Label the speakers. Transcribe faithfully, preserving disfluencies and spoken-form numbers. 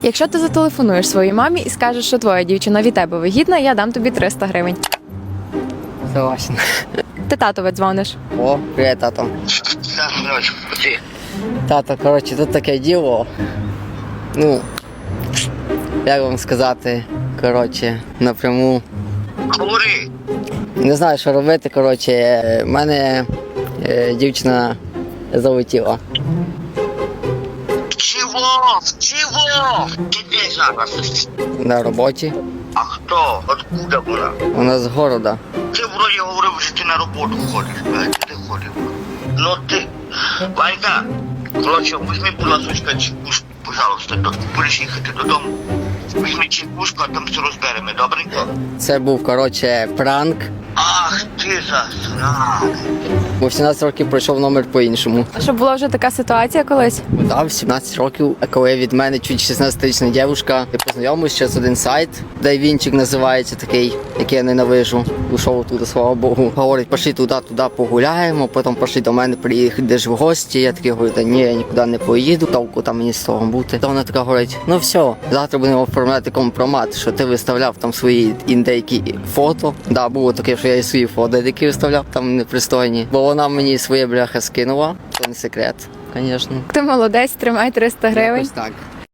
Speaker 1: Якщо ти зателефонуєш своїй мамі і скажеш, що твоя дівчина від тебе вигідна, я дам тобі триста гривень.
Speaker 2: Согласен.
Speaker 1: Ти татові дзвониш.
Speaker 2: О, привіт, тато. Тато, коротше, тут таке діло. Ну, як вам сказати, коротше, напряму.
Speaker 3: Говори.
Speaker 2: Не знаю, що робити, коротше, в мене е, дівчина залетіла.
Speaker 3: Чего? Чего? Ты где зараз?
Speaker 2: На роботі.
Speaker 3: А хто? Откуда вона?
Speaker 2: Вона з города.
Speaker 3: Ти вроді говорив, що ти на роботу ходиш, блядь, ти ходив. Ну ти, Ванька, коротше, візьми, будь ласка, чекушку, пожалуйста, до, будеш їхати додому. Візьми чекушку, а там все розберемо, добренько?
Speaker 2: Це був, коротше, пранк.
Speaker 3: Ах, ти засран.
Speaker 2: Бо в сімнадцять років пройшов номер по-іншому.
Speaker 1: А щоб була вже така ситуація колись?
Speaker 2: Да, в сімнадцять років, а коли від мене чуть шістнадцятирічна дівчинка, я познайомився через один сайт, Дайвінчик називається такий, який я ненавижу. Ушов туди, слава Богу. Говорить, пішли туди, туди погуляємо, потім пішли до мене, приїдеш в гості. Я такий говорю, та ні, я нікуди не поїду, толку там мені з того бути. То вона така говорить, ну все, завтра будемо оформляти компромат, що ти виставляв там свої індейки фото. Да, було таке, що я і свої фото які виставляв, там непристойні. Бо вона мені своє бляха скинула, це не секрет, звісно.
Speaker 1: Ти молодець, тримай триста гривень.
Speaker 2: Якось так.